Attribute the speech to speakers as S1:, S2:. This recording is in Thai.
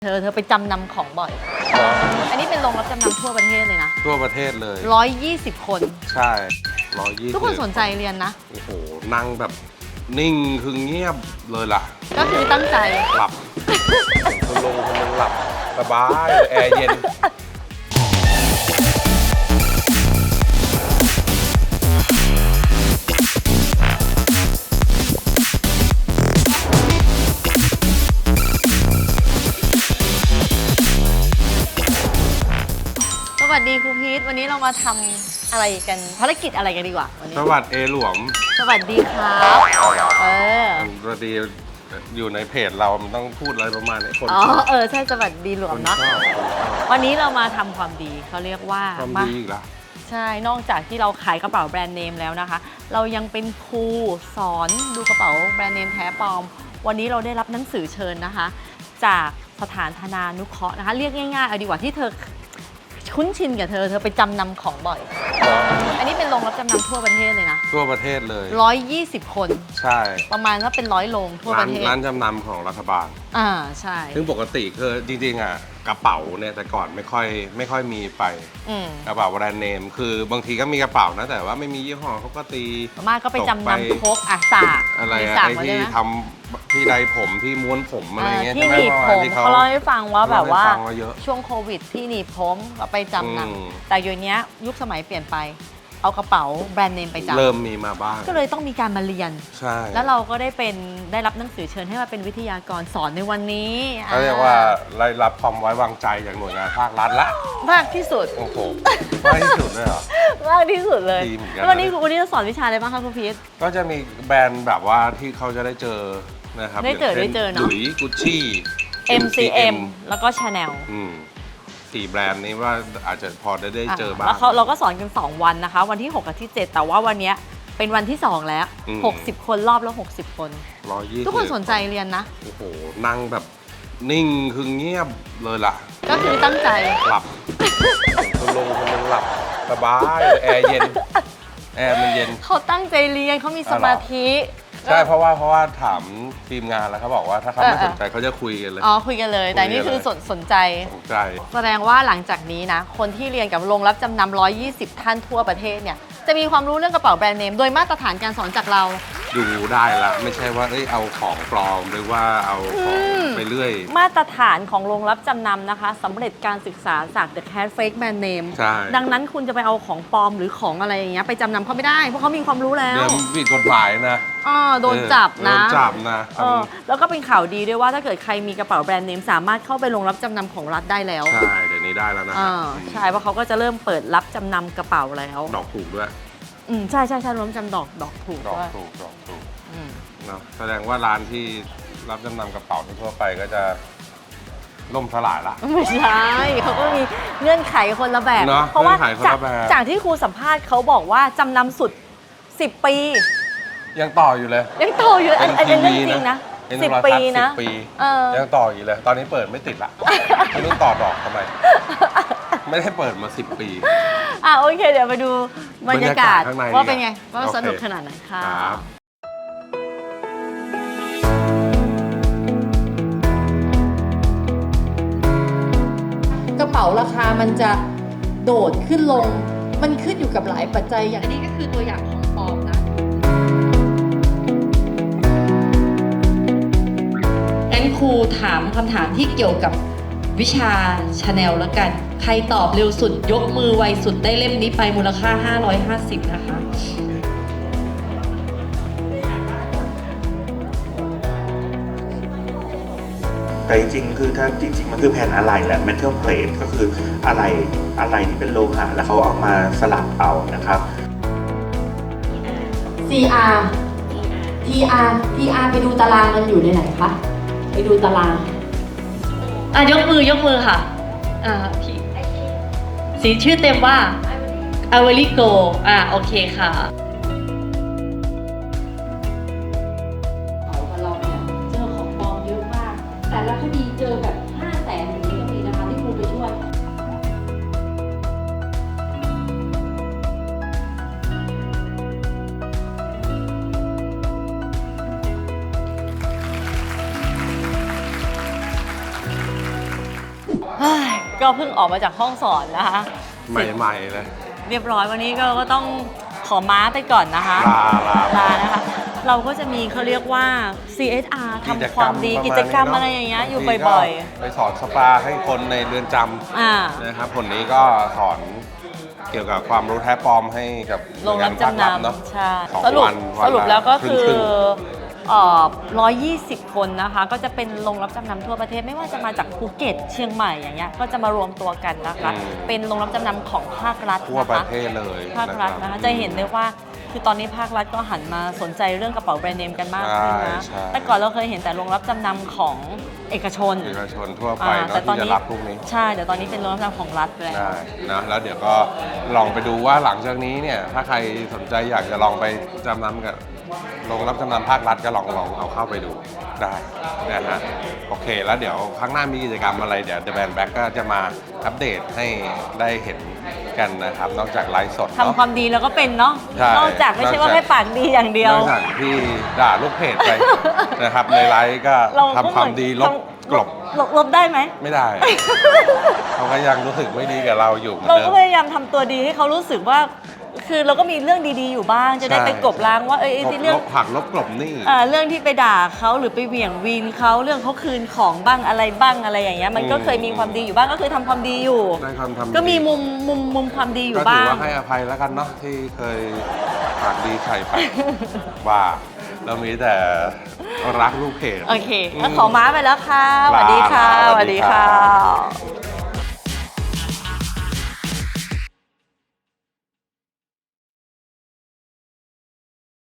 S1: เธอไปจำนำของบ่อย อันนี้เป็นโรงรับจำนำทั่วประเทศเลยนะ
S2: ทั่วประเทศเลย
S1: 120 คน
S2: ใช่120
S1: ทุกคนสนใจเรียนนะ
S2: โอ้โหนั่งแบบนิ่งคือเงียบเลยล่ะ
S1: ก็คือตั้งใจ
S2: หลับคุณลุงหลับสบายแอร์เย็น
S1: สวัสดีครูพีทวันนี้เรามาทำอะไรกันภารกิจอะไรกันดีกว่าวันนี้
S2: สวัสดีหลวม
S1: สวัสดีครับ
S2: สวัสดีอยู่ในเพจเรามันต้องพูดอะไรประมาณนี้คน
S1: ใช่สวัสดีหลวมเนาะวันนี้เรามาทำความดีเขาเรียกว่า
S2: ความดีอีกแล้ว
S1: ใช่นอกจากที่เราขายกระเป๋าแบรนด์เนมแล้วนะคะเรายังเป็นครูสอนดูกระเป๋าแบรนด์เนมแท้ปลอมวันนี้เราได้รับหนังสือเชิญนะคะจากสถานธนานุเคราะห์นะคะเรียกง่ายๆเอาดีกว่าที่เธอคุ้นชินกับเธอไปจำนำของบ่อยอันนี้เป็นโรงรับจำนำทั่วประเทศเลยนะ
S2: ทั่วประเทศเลย
S1: 120 คน
S2: ใช่
S1: ประมาณถ้าเป็น100 โรงทั่วประเทศ
S2: ร้านจำนำของรัฐบาล
S1: ใช่
S2: ซึ่งปกติคือจริงๆกระเป๋าเนี่ยแต่ก่อนไม่ค่อยมีไปกระเป๋าแบรนด์เนมคือบางทีก็มีกระเป๋านะแต่ว่าไม่มียี่ห้อเขาก็ตี
S1: มากก็ไปจำนำพกสาก
S2: อะไรที่ทำที่ใดผมที่ม้วนผมอะไรเงี้ย
S1: ที่หนีบผมเขาเล่าให้ฟังว่าแบบว่าช่วงโควิดที่หนีบผมก็ไปจำนำแต่อยู่นี้ยุคสมัยเปลี่ยนไปเอากระเป๋าแบรนด์เนมไปจำ
S2: เริ่มมีมาบ้าง
S1: ก็เลยต้องมีการมาเรียน
S2: ใช่
S1: แล้วเราก็ได้รับหนังสือเชิญให้มาเป็นวิทยากรสอนในวันนี้
S2: เขาเรียกว่าได้รับความไว้วางใจจากหน่วยงานภาครัฐละ
S1: มากที่สุด
S2: โอ้โหมากที่สุดเลยเหรอ
S1: มากที่สุดเลยวันนี้จะสอนวิชาอะไรบ้างคะคุณพีท
S2: ก็จะมีแบรนด์แบบว่าที่เขาจะได้เจอนะครับ
S1: ได้เจอเนาะ
S2: หลุยส์กุชชี่
S1: MCM แล้วก็ Chanel
S2: 4 แบรนด์นี้ว่าอาจจะพอได้เจอบ้าง
S1: แล้วเราก็สอนกัน2 วันนะคะวันที่6กับที่7แต่ว่าวันนี้เป็นวันที่2แล้ว60 คนรอบแล้ว60 คน
S2: 120
S1: ทุกคนสนใจเรียนนะ
S2: โอ้โหนั่งแบบนิ่งคือเงียบเลยล่ะ
S1: ก็คือตั้งใจ
S2: หลับคุณลุงหลับสบายแอร์เย็นแอร์มันเย็น
S1: เขาตั้งใจเรียนเขามีสมาธิ
S2: ใช่เพราะว่าถามทีมงานแล้วเขาบอกว่าถ้าเขาไม่สนใจเขาจะคุยกันเลย
S1: คุยกันเลยแต่นี่คือสนใจแสดงว่าหลังจากนี้นะคนที่เรียนกับโรงรับจำนำ120 ท่านทั่วประเทศเนี่ยจะมีความรู้เรื่องกระเป๋าแบรนด์เนมโดยมาตรฐานการสอนจากเรา
S2: ดูได้ละไม่ใช่ว่าเอาของปลอมหรือว่าเอาของไปเรื่อย
S1: มาตรฐานของโรงรับจำนำนะคะสำเร็จการศึกษาจาก The Cat Fake Brand Name ดังนั้นคุณจะไปเอาของปลอมหรือของอะไรอย่างเงี้ยไปจำนำเขาไม่ได้เพราะเขามีความรู้แล้ว
S2: ผิดกฎหมายนะ
S1: โดนจับนะแล้วก็เป็นข่าวดีด้วยว่าถ้าเกิดใครมีกระเป๋าแบรนด์เนมสามารถเข้าไปโรงรับจำนำของรัฐได้แล้ว
S2: ใช่เดี๋ยวนี้ได้แล้วนะ
S1: ใช่เพราะเขาก็จะเริ่มเปิดรับจำนำกระเป๋าแล้ว
S2: ดอกถูกด้วย
S1: ใช่รวมจำดอกถูกด้วย
S2: ดอกถูกเนาะแสดงว่าร้านที่รับจำนำกระเป๋าทั่วไปก็จะล่มสลายละ
S1: ไม่ใช่เขาก็มีเงื่อนไขคนละแบบเพราะว่าจากที่ครูสัมภาษณ์เขาบอกว่าจำนำสุด10 ปี
S2: ยังต่ออยู่เลย
S1: ยังต่ออยู่อันนี้เรื่องจริงนะ10 ปีนะ
S2: ยังต่ออยู่เลยตอนนี้เปิดไม่ติดละไม่รู้ต่อดอกทำไมไม่ได้เปิดมา10 ปี
S1: โอเคเดี๋ยวไปดูบรรยากาศว่าเป็นไงว่าสนุกขนาดไหนค่ะกระเป๋าราคามันจะโดดขึ้นลงมันขึ้นอยู่กับหลายปัจจัยอย่างนี้ก็คือตัวอย่างของปลอมนะงั้นครูถามคำถามที่เกี่ยวกับวิชา Chanel แล้วกันใครตอบเร็วสุดยกมือไวสุดได้เล่มนี้ไปมูลค่า550นะคะ
S3: แต่จริงๆคือถ้าจริงๆมันคือแผ่นอะไหล่แหละ metal plate ก็คืออะไหล่ที่เป็นโลหะแล้วเขาเอามาสลับเอานะครับ
S1: CR TR ไปดูตารางมันอยู่ในไหนคะไปดูตารางยกมือค่ะสีชื่อเต็มว่า Ivory Gold โอเคค่ะเราเนี่ยเจอของปลอมเยอะมากแต่ละคดีเจอแบบ500,000อย่างนี้ก็มีนะคะที่ครูไปช่วยเฮ้ยก็เพิ่งออกมาจากห้องสอนนะคะ
S2: ใหม่ๆเลย
S1: เรียบร้อยวันนี้ก็ต้องขอม้าไปก่อนนะคะ
S2: ลา
S1: นะคะ เราก็จะมีเขาเรียกว่า CSR ทำความดีกิจกรรมอะไรอย่างเงี้ยอยู่บ่อย
S2: ๆไปสอนสปาให้คนในเรือนจ
S1: ๆ
S2: นะครับคนนี้ก็สอนเกี่ยวกับความรู้แท้ปลอมให้กับ
S1: โรงรับจำน
S2: เนาะ
S1: ำใช่
S2: สอง
S1: สรุป
S2: วัน
S1: สรุปแล้วก็คือ
S2: ครึ่ง
S1: 120 คนนะคะ ก็จะเป็นโรงรับจำนำทั่วประเทศไม่ว่าจะมาจากภูเก็ตเชียงใหม่อย่างเงี้ยก็จะมารวมตัวกันนะคะ เป็นโรงรับจำนำของภาครัฐ
S2: ทั่ว
S1: นะ
S2: ประ
S1: คะ
S2: เทศเลย
S1: ภาครัฐนะคะจะเห็นได้ว่าคือตอนนี้ภาครัฐก็หันมาสนใจเรื่องกระเป๋าแบรนด์เนมกันมากขึ้นนะ
S2: ใช่
S1: แต่ก่อนเราเคยเห็นแต่โรงรับจำนำของเอกชน
S2: เอกชนทั่วไปเนาะ
S1: แต่ตอน
S2: ที่
S1: นี้
S2: จะรับพวกนี้
S1: ใช่แต่ตอนนี้เป็นโรงรับจำนำของรัฐแล้ว
S2: ได้นะแล้วเดี๋ยวก็ลองไปดูว่าหลังจากนี้เนี่ยถ้าใครสนใจอยากจะลองไปจำนำกับโรงรับจำนำภาครัฐก็ลองเอาเข้าไปดูได้นะฮะโอเคแล้วเดี๋ยวครั้งหน้ามีกิจกรรมอะไรเดี๋ยว The Band Back ก็จะมาอัปเดตให้ได้เห็นกันนะครับนอกจากไลฟ์สด
S1: ทำความดีแล้วก็เป็นเนาะ
S2: ใช่
S1: นอกจากไม่ใช่ว่า
S2: นอกจาก
S1: แค่ปากดีอย่างเดีย
S2: น
S1: ว
S2: อกจากที่ด่าลูกเพจไป นะครับในไลฟ์ก็
S1: เราก็
S2: ทำความดีลบกลบ
S1: ลบได้ไหม
S2: ไม่ได้ เขาก็ยังรู้สึกไม่ดีกับเราอยู่เหมือน
S1: เรา
S2: เดิ
S1: ก็
S2: ม
S1: พยายามทำตัวดีให้เขารู้สึกว่า คือเราก็มีเรื่องดีๆอยู่บ้าง จะได้
S2: ใช่
S1: ไปกลบล้างว่าไอ้ที่เรื่อง
S2: ลบหักลบกลบหนี่
S1: เรื่องที่ไปด่าเขาหรือไปเหวี่ยงวีนเขาเรื่องเขาคืนของบ้างอะไรบ้างอะไรอย่างเงี้ยมันก็เคยมีความดีอยู่บ้างก็คือทำความดีอยู่
S2: ได้ความทำดี
S1: ก็มีมุมความดีอยู่
S2: ก็ถื
S1: บ้า
S2: อง ว่าให้อภัยแล้วกันเนาะที่เคยปากดีใส่ไปว่าเรามีแต่รักลูกเพจ
S1: โอเคก็ขอม้าไปแล้วค่ะสวัสดีค่ะ
S2: ลา
S1: สวัสดีค่ะ